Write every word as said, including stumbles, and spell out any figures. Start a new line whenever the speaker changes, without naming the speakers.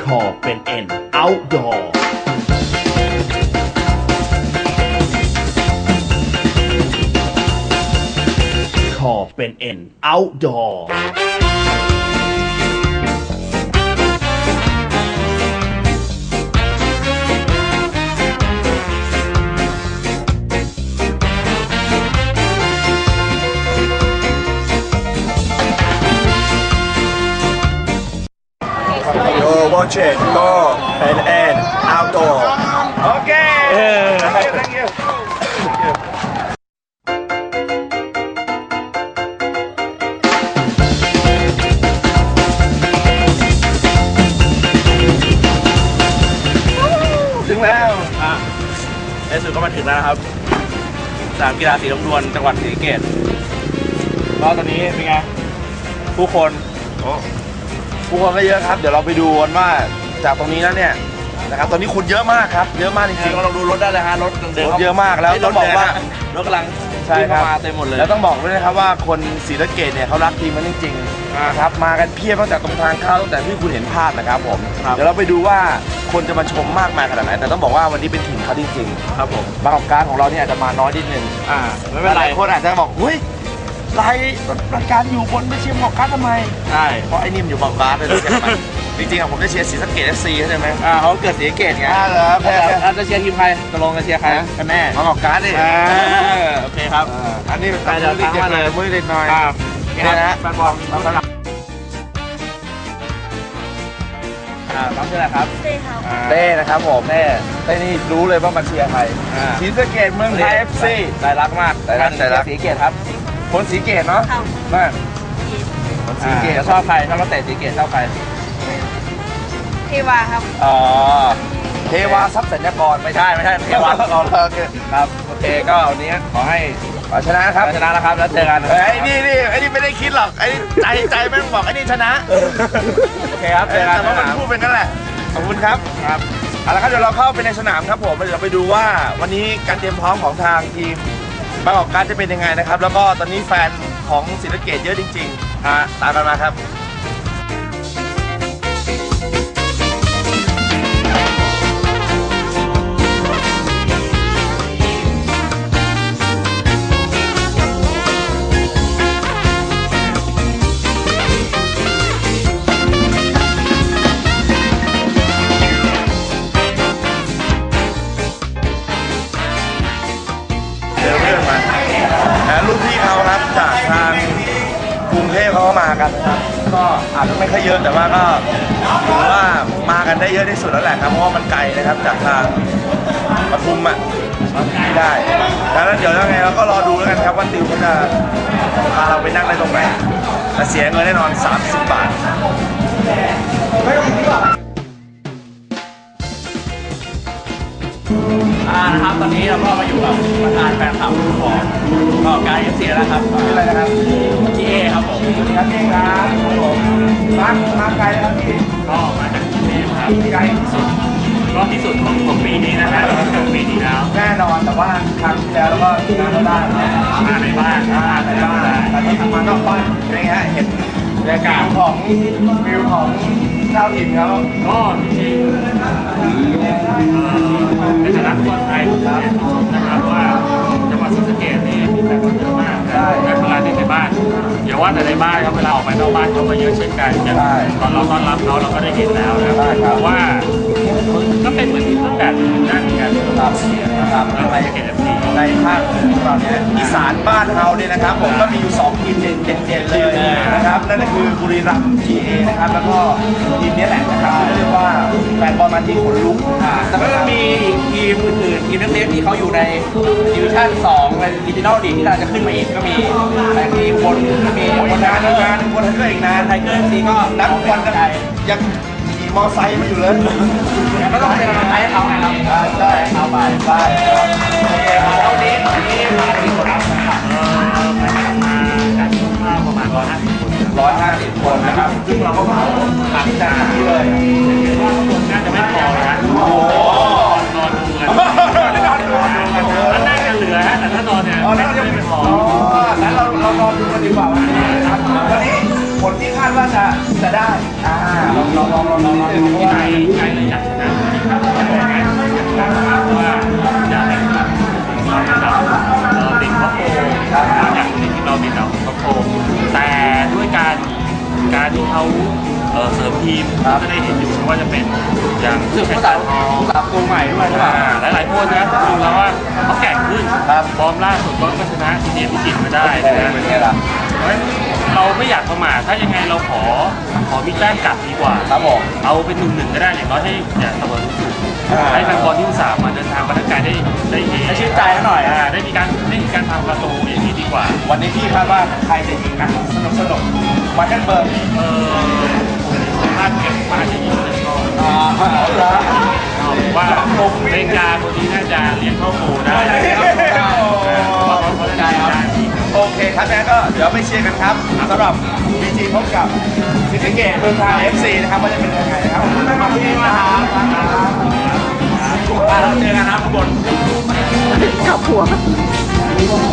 ขอเป็นเอ็น outdoor ขอเป็นเอ็น outdoor
You're watching Go and N Outdoor. Okay. Thank you. Thank you. Thank you. ถึงแล้วอ่ะในสุดก็มาถึงแล้วนะครับสนามกีฬาสีลมดวนจังหวัดศรีสะเกษก็ตอนนี้เป็นไงผู้คนโอ้ผู้คนก็เยอะครับเดี๋ยวเราไปดูกันว่าจากตรงนี้แล้วเนี่ยนะครับตอนนี้คนเยอะมากครับเยอะมากจริงๆก็ลองดูรถได้เลยฮะรถเดินเยอะมากแล้วต้องบอกว่ารถกำลังใช่ครับมาเต็มหมดเลยแล้วต้องบอกด้วยนะครับว่าคนศรีสะเกษเนี่ยเขารักทีมมันจริงๆนะครับมากันเพียบตั้งแต่ตรงทางเข้าตั้งแต่ที่คุณเห็นภาพนะครับผมเดี๋ยวเราไปดูว่าคนจะมาชมมากมายขนาดไหนแต่ต้องบอกว่าวันนี้เป็นทีมเขาจริงๆครับผมบางของการของเราเนี่ยอาจจะมาน้อยนิดนึงอ่าไม่เป็นไรคนอาจจะบอกเฮ้ยรายรายการอยู่บนไม่เชียร์หมอกการ์ดทำไมใช่เพราะไอ้นิ่มอยู่หมอกการ์ดเลยใช่ไหมจริงๆอะผมจะเชียร์ศรีสะเกษ เอฟ ซี ใช่ไหมอ่าเขาเกิดศรีสะเกษไงอ่าเหรอแพ้จะเชียร์ทีมใครตกลงจะเชียร์ใครกันแน่หมอกการ์ดดิโอเคครับอันนี้เป็นเด็กๆเลยมือเด็กน้อยครับนี่นะแฟนบอลน้องสนามอ่าน้องชื่ออะไรครับเต้ครับเต้นะครับผมเต้เต้นี่รู้เลยว่ามาเชียร์ใครศรีสะเกษเมืองไทย เอฟ ซี ใจรักมากใจรักใจรักศรีสะเกษครับคนศรีสะเกษเนาะนั่นคนศรีสะเกษชอบใครชอบนักเตะศรีสะเกษชอบใคร
เทวาครับ
อ๋อเทวาทรัพย์สัญญากรไม่ใช่ไม่ใช่เทวาอ๋อโอเคครับโอเคก็วันนี้ขอให้ขอชนะครับชนะนะครับแล้วเจอกันไอ้นี่นี่ไอ้นี่ไม่ได้คิดหรอกไอ้ใจใจแม่งบอกไอ้นี่ชนะโอเคครับเจอกันแต่ว่ามันพูดเป็นนั่นแหละขอบคุณครับครับเอาละครับเดี๋ยวเราเข้าไปในสนามครับผมเดี๋ยวเราไปดูว่าวันนี้การเตรียมพร้อมของทางทีมบางกอกการ์ดจะเป็นยังไงนะครับแล้วก็ตอนนี้แฟนของศรีสะเกษเยอะจริงๆฮะตามกันมาครับรุ่นพี่เขาครับจากทางกรุงเทพเขาก็มากันนะครับก็อาจจะไม่ค่อยเยอะแต่ว่าก็ถือว่ามากันได้เยอะที่สุดแล้วแหละครับเพราะว่ามันไกลนะครับจากทางปทุมอ่ะไม่ได้ดังนั้นเดี๋ยวยังไงเราก็รอดูแล้วกันครับว่าติวเขาจะพาเราไปนั่งได้ตรงไหนแต่เสียเงินแน่นอนสามสิบบาทอ่านะครับตอนนี้เราก็มาอยู่กับประธานแฟนคลับของก็การเอฟซีนะครับชื่ออะไรนะครับพี่เอครับผมสวัสดีครับพี่ครับผมมามาไกลนะครับพี่ก็มาจากกรุงเทพครับไกลที่สุดก็ที่สุดของของปีนี้นะฮะของปีนี้แล้วแน่นอนแต่ว่าครั้งที่แล้วแล้วก็งานเราได้มาในบ้านมาในบ้านแต่ที่ทำมานอกบ้านเป็นไงฮะเห็นบรรยากาศของวิวของชาวถิ่นเขาก็จริงในฐานะคนไทยนะครับว่าจังหวัดศรีสะเกษนี่มีแฟนบอลเยอะมากในเวลาในบ้านอย่าว่าแต่ในบ้านครับเวลาออกไปนอกบ้านเขาก็เยอะเช่นกันตอนเราต้อนรับเขาเราก็ได้เห็นแล้วนะครับว่าก็เป็นเหมือนที่ต้นแบบนั่นกันนะครับอะไรอย่างเงี้ยในภาคของเราเนี่ยอีสานบ้านเราเนี่ยนะครับผมก็มีอยู่สองทีมเด่นๆเลยนะครับนั่นก็คือบุรีรัมย์ ที เอ นะครับแล้วก็ทีมนี้แหละนะครับเรียกว่าแฟนบอลมาที่ขนลุกแต่ก็มีอีกทีมอื่นๆทีมเล็กๆที่เขาอยู่ในดิวิชั่นสองในดิจิทัลลีกที่เราจะขึ้นมาอีกก็มีแต่ที่คนมีคนงานงานคนไทเกอร์อีกนานไทเกอร์ซีก็นักบอลกันยังขี่มอไซค์มาอยู่เลยก็ต้องเป็นกำลังใจให้เขาไงครับใช่เอาไปไปวันนี้วันนี้มาที่คนรับนะครับมาจากประมาณร้อยห้าสิบคนร้อยห้าสิบคนนะครับซึ่งเราก็มาหลังจากนี้เลยว่าข้างบนน่าจะไม่พอนะโอ้โหนอนดูกันนอนดูกันถ้านั่งกันเหลือฮะแต่ถ้านอนเนี่ยไม่พองั้นเราเรานอนดูกันดีกว่าวันนี้นะครับวันนี้ผลที่คาดว่าจะจะได้อ่าลองลอง
ลองลองลองลองดู
ที่
ว่า
ใจใจเลยอยากชนะครับบอกนะเพราะว่าอยากให้เราติดดาวเอ่อติดท็อปโฟร์เราอยากให้ทีมเราติดดาวท็อปโฟร์แต่ด้วยการการที่เขาเอ่อเสริมทีมก็ได้เห็นอยู่ไม่ว่าจะเป็นอย่าง
รู้สึก
เพช
ภาร ษา
ทอง
ภาษาประตูใหม่ด้วยใช่ป่ะ
หลายหลายๆคนนะดูแล้วว่าเขาแข่งขึ้น
ครับ
ฟอร์มล่าสุดก็ชนะทีเดียพิจิตรมาได้
โอ้
นะ
เป็นไงล่ะ
เพราะฉะนั้นเราไม่อยากประมาทถ้ายังไงเราขอขอมีแต้มกลับดีกว่า
ครับผม
เอาเป็นหนึ่งหนึ่งก็ได้อย่างน้อยให้อย่าเสมอที่สุด
อ่า
ให้แฟนบอลที่อุตส่าห์มาเดินทางมาทักทายได้ได้เฮ
ให้ชื่นใจเขาหน่อย
อ่าได้มีการได้มีการทำประตูอย่างนี้ดีกว่า
วันนี้พี่คาดว่าใครจะยิงนะสนุกสนุกมาแค่เบิร์น
เออถ้าเก็บมาจะยิงเลยก็
อ่าเอาละ
ผมว่าเลนจาคนนี้น่าจะเลี้ยงเข้าโกได้
ได้ครับได้
เพราะเขาได้ได้ดี
โอเคครับงั้นก็เดี๋ยวไปเชียร์กันครับสำหรับบีจีพบกับศรีสะเกษเมืองทาง เอฟ ซี นะครับว่าจะเป็นยังไงนะครับขอบคุณมากพี่นะครับเราเจอกันนะครับทุกคน
กับหัว